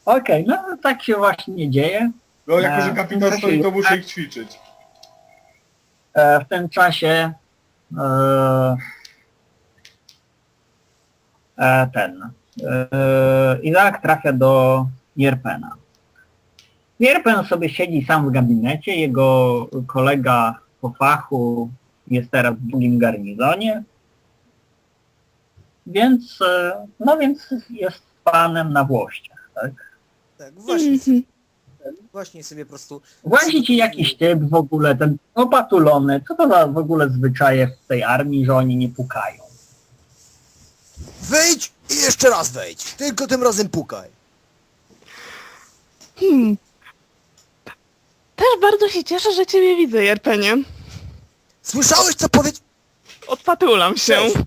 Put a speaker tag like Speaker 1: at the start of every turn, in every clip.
Speaker 1: Okej, no tak się właśnie dzieje.
Speaker 2: No jako, że kapitan stoi, to muszę ich ćwiczyć.
Speaker 1: W tym czasie Izaak trafia do Jerpena. Jerpen sobie siedzi sam w gabinecie, jego kolega po fachu jest teraz w drugim garnizonie, więc jest panem na włościach, tak?
Speaker 3: Tak, właśnie, właśnie sobie po prostu...
Speaker 1: Włazi ci jakiś typ w ogóle, ten opatulony, co to za w ogóle zwyczaje w tej armii, że oni nie pukają?
Speaker 3: Wejdź i jeszcze raz wejdź, tylko tym razem pukaj.
Speaker 4: Też bardzo się cieszę, że ciebie widzę, Jerpenie.
Speaker 3: Słyszałeś, co powiedział?
Speaker 4: Odpatulam się.
Speaker 3: Cześć.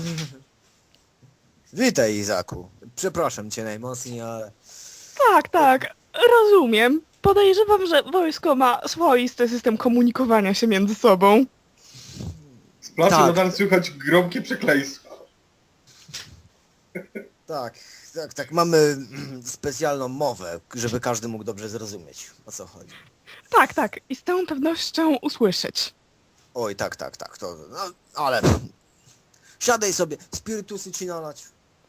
Speaker 3: Witaj, Izaku. Przepraszam cię najmocniej, ale...
Speaker 4: Tak, rozumiem. Podejrzewam, że wojsko ma swoisty system komunikowania się między sobą.
Speaker 2: Z plaży
Speaker 3: Tak.
Speaker 2: nadal słychać gromkie przekleństwa.
Speaker 3: Tak, mamy specjalną mowę, żeby każdy mógł dobrze zrozumieć, o co chodzi.
Speaker 4: Tak, i z całą pewnością usłyszeć.
Speaker 3: Oj, tak, to... No, ale... Siadaj sobie, spirytusy ci nalać.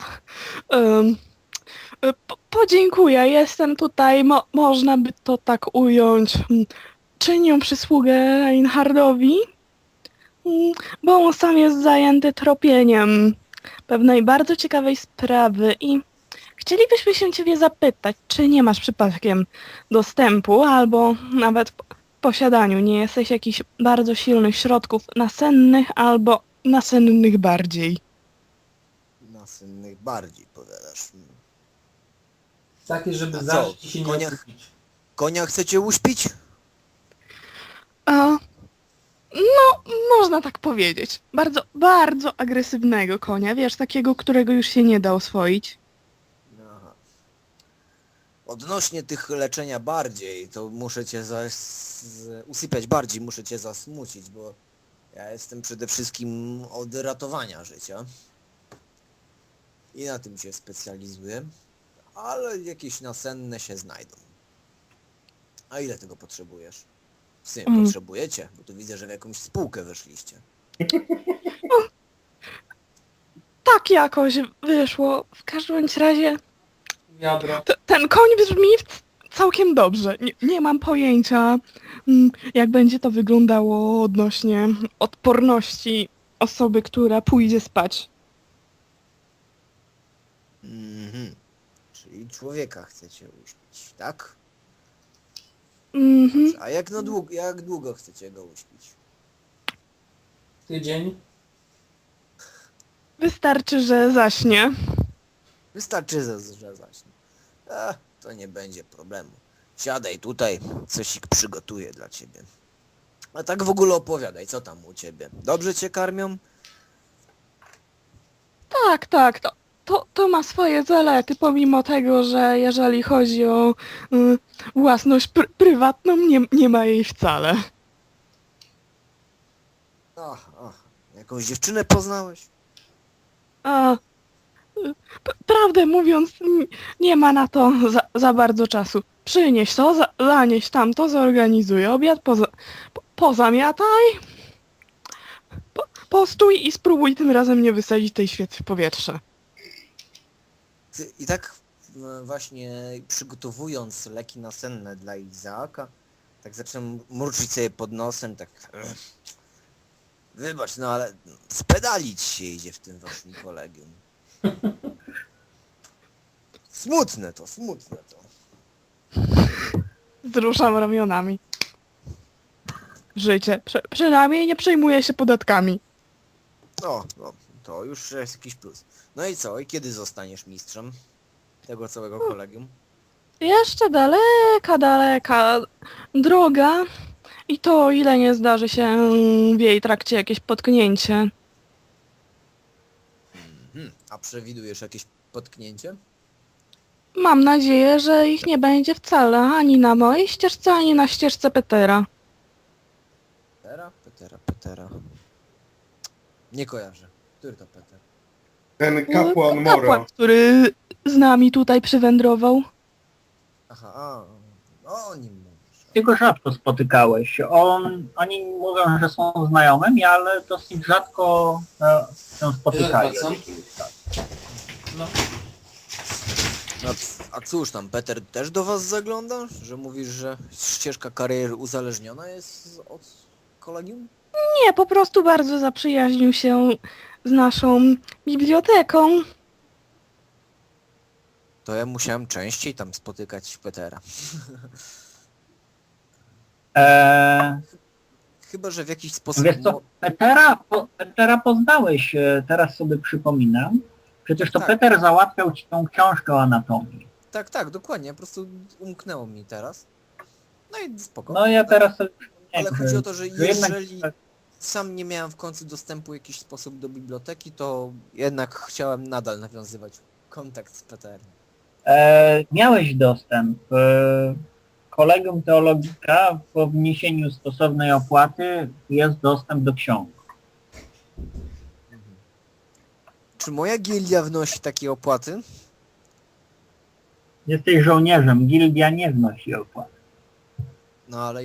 Speaker 4: Podziękuję, jestem tutaj, można by to tak ująć, czynię przysługę Reinhardowi, bo on sam jest zajęty tropieniem pewnej bardzo ciekawej sprawy i chcielibyśmy się ciebie zapytać, czy nie masz przypadkiem dostępu albo nawet w posiadaniu nie jesteś jakichś bardzo silnych środków nasennych albo nasennych bardziej.
Speaker 3: Nasennych bardziej, powiadasz.
Speaker 5: Takie, żeby
Speaker 3: A co,
Speaker 5: zacząć ci się nie
Speaker 3: konia-
Speaker 5: odkupić.
Speaker 3: Konia chcecie uśpić?
Speaker 4: No, można tak powiedzieć. Bardzo, bardzo agresywnego konia, wiesz, takiego, którego już się nie da oswoić.
Speaker 3: Aha. Odnośnie tych leczenia bardziej, to muszę cię usypiać bardziej, muszę cię zasmucić, bo ja jestem przede wszystkim od ratowania życia. I na tym się specjalizuję. Ale jakieś nasenne się znajdą. A ile tego potrzebujesz? W sumie potrzebujecie, bo tu widzę, że w jakąś spółkę weszliście.
Speaker 4: Tak jakoś wyszło. W każdym bądź razie
Speaker 5: Wiadro.
Speaker 4: ten koń brzmi całkiem dobrze. Nie mam pojęcia, jak będzie to wyglądało odnośnie odporności osoby, która pójdzie spać.
Speaker 3: Mhm. Czyli człowieka chcecie uśpić, tak?
Speaker 4: Mhm.
Speaker 3: A jak długo chcecie go uśpić?
Speaker 5: Tydzień.
Speaker 4: Wystarczy, że zaśnie.
Speaker 3: Wystarczy, że zacznie. To nie będzie problemu. Siadaj tutaj, coś ich przygotuję dla ciebie. A tak w ogóle opowiadaj, co tam u ciebie? Dobrze cię karmią?
Speaker 4: Tak, to ma swoje zalety, pomimo tego, że jeżeli chodzi o własność prywatną, nie ma jej wcale.
Speaker 3: Ach, jakąś dziewczynę poznałeś?
Speaker 4: A, prawdę mówiąc, nie ma na to za bardzo czasu. Przynieś to, zanieś tamto, zorganizuj obiad, pozamiataj, postój i spróbuj tym razem nie wysadzić tej świecy w powietrze.
Speaker 3: I tak właśnie przygotowując leki nasenne dla Izaaka, tak zacząłem mruczyć sobie pod nosem, tak... Wybacz, no ale spedalić się idzie w tym waszym kolegium. Smutne to.
Speaker 4: Wzruszam ramionami. Życie. Przynajmniej nie przejmuję się podatkami.
Speaker 3: No, to już jest jakiś plus. No i co? I kiedy zostaniesz mistrzem tego całego kolegium?
Speaker 4: Jeszcze daleka droga i to o ile nie zdarzy się w jej trakcie jakieś potknięcie.
Speaker 3: A przewidujesz jakieś potknięcie?
Speaker 4: Mam nadzieję, że ich nie będzie wcale ani na mojej ścieżce, ani na ścieżce Petera.
Speaker 3: Petera. Nie kojarzę. Który to Peter?
Speaker 2: Ten kapłan Mora.
Speaker 4: Kapłan, który z nami tutaj przywędrował.
Speaker 3: Aha, a, no o nim mówisz.
Speaker 1: Ty go rzadko spotykałeś. Oni mówią, że są znajomymi, ale dosyć rzadko się spotykali.
Speaker 5: Co?
Speaker 2: No.
Speaker 3: A cóż tam, Peter też do was zagląda? Że mówisz, że ścieżka kariery uzależniona jest od kolegium?
Speaker 4: Nie, po prostu bardzo zaprzyjaźnił się z naszą biblioteką.
Speaker 3: To ja musiałem częściej tam spotykać Petera. Chyba, że w jakiś sposób...
Speaker 1: Wiesz co, Petera poznałeś, teraz sobie przypominam. Przecież to
Speaker 3: Tak.
Speaker 1: Peter załatwiał ci tą książkę o anatomii.
Speaker 3: Tak, dokładnie, po prostu umknęło mi teraz. No i spoko.
Speaker 1: No ja teraz sobie
Speaker 3: Ale
Speaker 1: przypomniałem,
Speaker 3: chodzi o to, że
Speaker 1: jednak-
Speaker 3: jeżeli sam nie miałem w końcu dostępu w jakiś sposób do biblioteki, to jednak chciałem nadal nawiązywać kontakt z Peterem.
Speaker 1: Miałeś dostęp. Kolegium Teologika po wniesieniu stosownej opłaty jest dostęp do ksiąg.
Speaker 3: Czy moja gildia wnosi takie opłaty?
Speaker 1: Jesteś żołnierzem, gildia nie wnosi opłat.
Speaker 3: No ale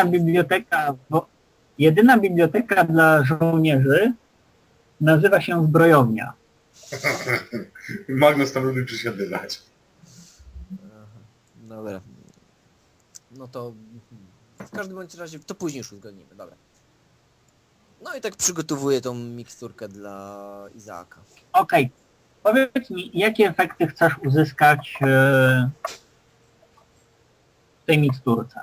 Speaker 1: Jedyna biblioteka dla żołnierzy nazywa się zbrojownia.
Speaker 2: Magnus tam lubi przysiadywać.
Speaker 3: Aha, dobra. No to w każdym bądź razie to później już uzgodnimy, dobra. No i tak przygotowuję tą miksturkę dla Izaaka.
Speaker 1: Okej, powiedz mi, jakie efekty chcesz uzyskać w tej miksturce?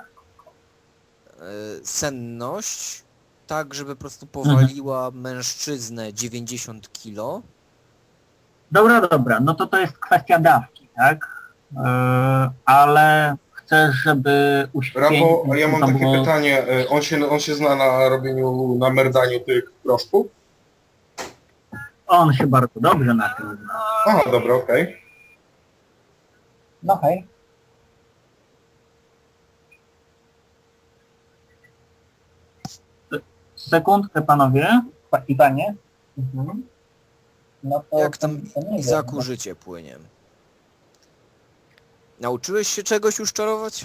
Speaker 3: Senność, tak żeby po prostu powaliła mężczyznę 90 kilo.
Speaker 1: Dobra, no to jest kwestia dawki, tak? Ale chcesz, żeby uśpić...
Speaker 2: Rafał, a ja mam takie pytanie. On się zna na robieniu, na merdaniu tych proszków?
Speaker 1: On się bardzo dobrze na tym zna.
Speaker 2: Aha, dobra, okej.
Speaker 1: No hej. Sekundkę, panowie i panie. Mhm. No to
Speaker 3: Jak tam
Speaker 1: to nie
Speaker 3: Izaaku
Speaker 1: wiem.
Speaker 3: życie płynie? Nauczyłeś się czegoś już czarować?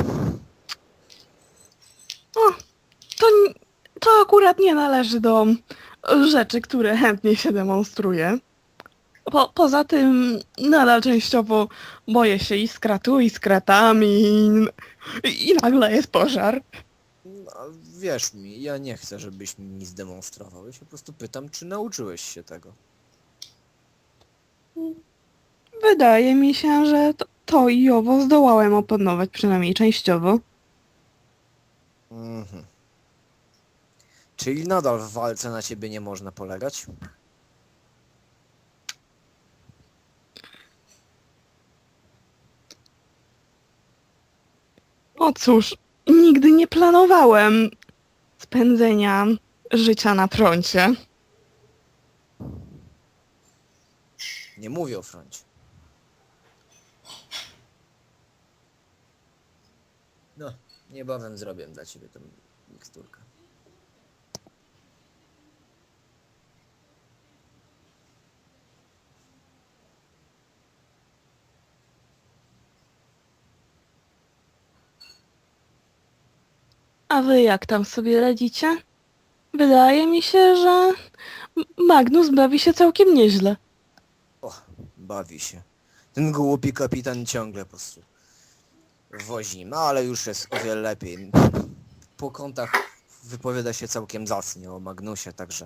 Speaker 4: To akurat nie należy do rzeczy, które chętnie się demonstruje. Poza tym nadal częściowo boję się iskra tu, iskra tam i nagle jest pożar.
Speaker 3: No, wierz mi, ja nie chcę, żebyś mi nic demonstrował. Ja się po prostu pytam, czy nauczyłeś się tego.
Speaker 4: Wydaje mi się, że to i owo zdołałem opanować przynajmniej częściowo.
Speaker 3: Mhm. Czyli nadal w walce na ciebie nie można polegać?
Speaker 4: O cóż, nigdy nie planowałem spędzenia życia na froncie.
Speaker 3: Nie mówię o froncie. No, niebawem zrobię dla ciebie tę miksturkę.
Speaker 4: A wy jak tam sobie radzicie? Wydaje mi się, że Magnus bawi się całkiem nieźle.
Speaker 3: O, bawi się. Ten głupi kapitan ciągle po prostu wozi, no ale już jest o wiele lepiej. Po kątach wypowiada się całkiem zacnie o Magnusie, także...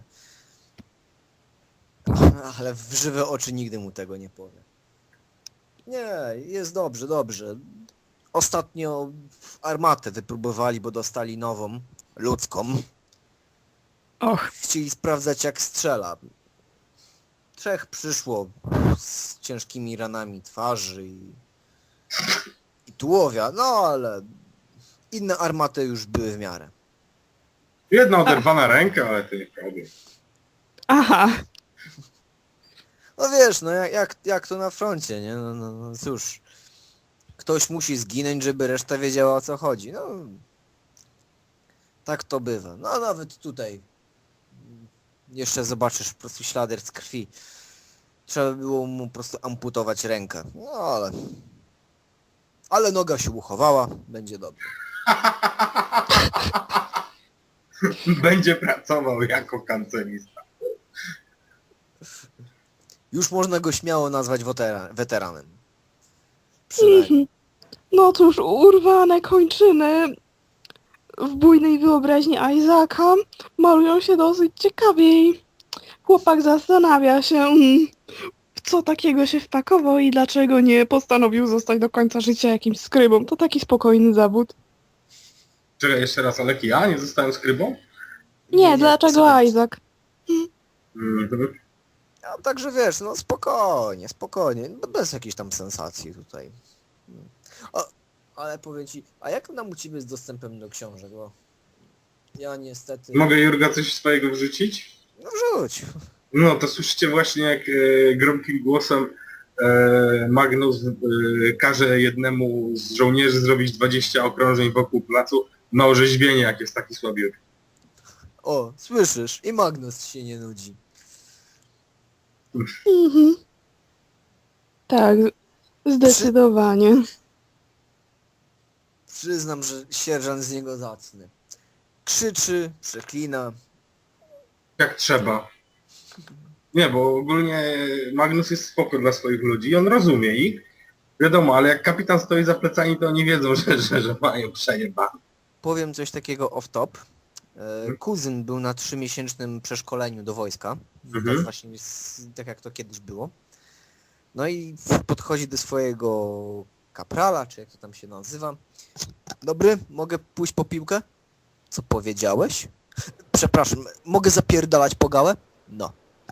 Speaker 3: Ale w żywe oczy nigdy mu tego nie powie. Nie, jest dobrze, dobrze. Ostatnio armatę wypróbowali, bo dostali nową, ludzką.
Speaker 4: Och,
Speaker 3: Chcieli sprawdzać jak strzela. 3 przyszło z ciężkimi ranami twarzy i tułowia, no ale inne armaty już były w miarę.
Speaker 2: Jedna oderwana ręka, ale to nie problem.
Speaker 4: aha,
Speaker 3: No wiesz, no jak to na froncie, nie? No cóż, ktoś musi zginąć, żeby reszta wiedziała o co chodzi. No, tak to bywa. No nawet tutaj jeszcze zobaczysz po prostu ślady z krwi. Trzeba było mu po prostu amputować rękę. No ale Ale noga się uchowała, będzie dobrze.
Speaker 2: Będzie pracował jako kancelista.
Speaker 3: Już można go śmiało nazwać weteranem. Przynajmniej.
Speaker 4: No cóż, urwane kończyny w bujnej wyobraźni Isaaca malują się dosyć ciekawiej. Chłopak zastanawia się, w co takiego się wpakował i dlaczego nie postanowił zostać do końca życia jakimś skrybą. To taki spokojny zawód.
Speaker 2: Czekaj, jeszcze raz, ale ja nie zostałem skrybą?
Speaker 4: Nie, dlaczego
Speaker 3: sobie-
Speaker 4: Isaac?
Speaker 2: Mhm.
Speaker 3: A także wiesz, no spokojnie, spokojnie, no bez jakiejś tam sensacji tutaj. Ale powiem ci, a jak nam u ciebie z dostępem do książek, bo ja niestety...
Speaker 2: Mogę Jurga coś swojego wrzucić?
Speaker 3: No wrzuć.
Speaker 2: No to słyszycie właśnie jak gromkim głosem Magnus każe jednemu z żołnierzy zrobić 20 okrążeń wokół placu na orzeźwienie, jak jest taki słabiutki.
Speaker 3: O, słyszysz, i Magnus się nie nudzi.
Speaker 4: Mhm. Tak, zdecydowanie.
Speaker 3: Przyznam, że sierżant z niego zacny. Krzyczy, przeklina.
Speaker 2: Jak trzeba. Nie, bo ogólnie Magnus jest spoko dla swoich ludzi i on rozumie ich. Wiadomo, ale jak kapitan stoi za plecami, to oni wiedzą, że mają przejebane.
Speaker 3: Powiem coś takiego off-top. Kuzyn był na 3-miesięcznym przeszkoleniu do wojska.
Speaker 2: Mhm.
Speaker 3: Tak właśnie tak jak to kiedyś było. No i podchodzi do swojego kaprala, czy jak to tam się nazywa. Dobry, mogę pójść po piłkę? Co powiedziałeś? Przepraszam, mogę zapierdalać po gałę? No.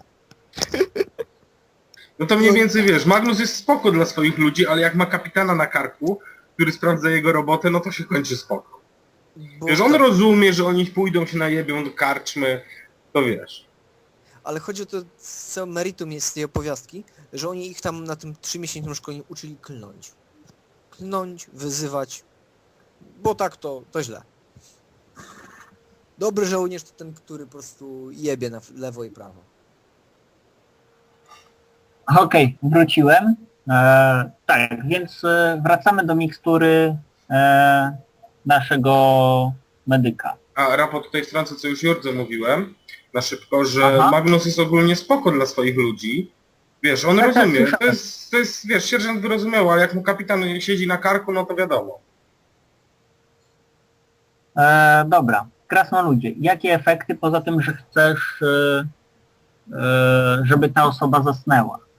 Speaker 2: No to mniej więcej wiesz, Magnus jest spoko dla swoich ludzi, ale jak ma kapitana na karku, który sprawdza jego robotę, no to się kończy spoko.
Speaker 3: Bo
Speaker 2: Wiesz, on
Speaker 3: tak-
Speaker 2: rozumie, że oni pójdą się najebią do karczmy, to wiesz.
Speaker 3: Ale chodzi o to, co meritum jest tej opowiastki, że oni ich tam na tym 3-miesięcznym szkoleniu uczyli klnąć. Klnąć, wyzywać, bo tak to źle. Dobry żołnierz to ten, który po prostu jebie na lewo i prawo.
Speaker 1: Okej, wróciłem. Tak, więc wracamy do mikstury naszego medyka.
Speaker 2: A raport tutaj wtrącę, co już Jurdze mówiłem, na szybko, że
Speaker 1: Aha.
Speaker 2: Magnus jest ogólnie spoko dla swoich ludzi. Wiesz, on
Speaker 1: Tak, tak,
Speaker 2: rozumie,
Speaker 1: słyszałem.
Speaker 2: to jest, wiesz, sierżant wyrozumiał, ale jak mu kapitan siedzi na karku, no to wiadomo.
Speaker 1: Dobra, krasnoludzie, jakie efekty poza tym, że chcesz, żeby ta osoba zasnęła?